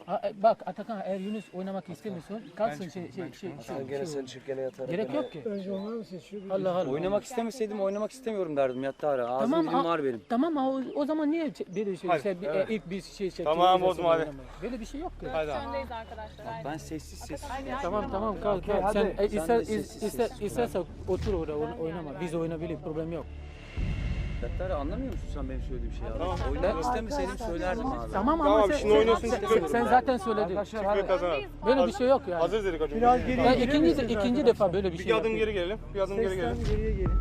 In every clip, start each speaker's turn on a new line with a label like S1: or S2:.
S1: Bak Atakan, eğer Yunus oynamak istemiyorsun, kalsın
S2: Gene sen çık gene yatar.
S1: Gerek yok ki.
S3: Önce onlar mı seçiyor?
S1: Allah Allah.
S4: Oynamak istemeseydim oynamak istemiyorum derdim yattı ara. Ağzım dilim var benim.
S1: Tamam o zaman niye böyle ilk bir şey
S5: Tamam, bozma hadi.
S1: Böyle bir şey yok ki.
S6: Öndeyiz arkadaşlar. Haydi.
S4: Ben sessiz.
S1: Tamam kalk. Sen istersen otur orada oynama. Biz oynayabiliriz, problem yok.
S4: Yattı ara anlamıyor musun sen benim söylediğim şeyi abi? Oynamak istemeseydim söylerdim abi.
S1: Tamam
S5: Tamam,
S1: ama
S5: şimdi oynasın, çıkıyoruz.
S1: sen zaten söyledin.
S5: Çıkıyor kazanan.
S1: Böyle bir şey yok yani.
S5: Hazır dedik hocam.
S3: Biraz geriye
S1: Ben
S3: girelim.
S1: ikinci defa böyle bir şey
S5: Bir adım
S1: yapıyorum.
S5: geri gelelim. Bir adım geri
S3: Sesten
S5: gelelim.
S3: geriye gelin.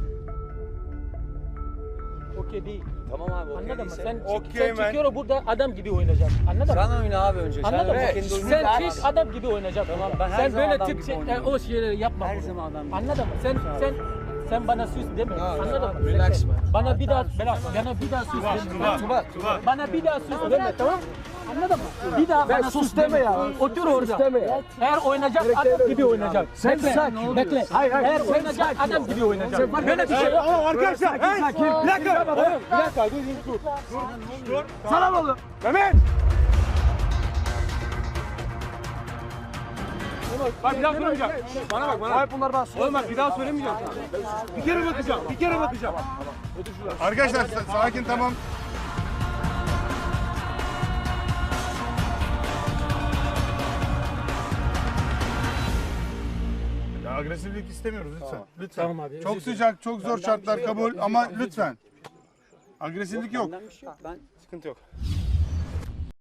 S1: Okey değil.
S4: Tamam abi okey
S1: Anladın mı?
S4: değilse.
S1: Sen
S5: Okey, ben-
S1: çıkıyor burada adam gibi oynayacaksın. Anladın mı?
S4: Sen oyna abi önce.
S1: Anladın mı?
S4: Kendi oyununu
S1: Sen
S4: yap.
S1: çık adam gibi oynayacaksın.
S4: Tamam, ben her
S1: sen
S4: zaman
S1: böyle
S4: adam gibi oynuyorum.
S1: o şeyleri yapma.
S4: Her
S1: burada.
S4: zaman adam gibi.
S1: Anladın mı? Sen bana süs deme. Anladın mı?
S4: relax
S1: Bekle. Bana bir daha süs deme. Bana bir daha süs deme, tamam? Anladın mı? Bir daha bana sus deme ya. Otur orada. Eğer oynayacak adam gibi oynayacak. Sen sakin. Bekle. Eğer oynayacak adam gibi oynayacak. Böyle bir şey yok.
S5: Arkadaşlar. Sakin. Bir dakika. Bir dakika. Dur.
S3: Sana oğlum.
S5: Mehmet. Bak bir daha söylemeyeceğim. Bana bak bana.
S3: Bunlar bas.
S5: Oğlum bak bir daha söylemeyeceğim sana. Bir kere bakacağım. Bir kere bakacağım. Arkadaşlar sakin tamam. Ya agresiflik istemiyoruz lütfen. Lütfen.
S1: Tamam abi,
S5: Çok
S1: özür
S5: sıcak, çok zor şartlar kabul ama lütfen. Agresiflik yok.
S4: Benden bir şey yok. Ben
S5: Sıkıntı yok.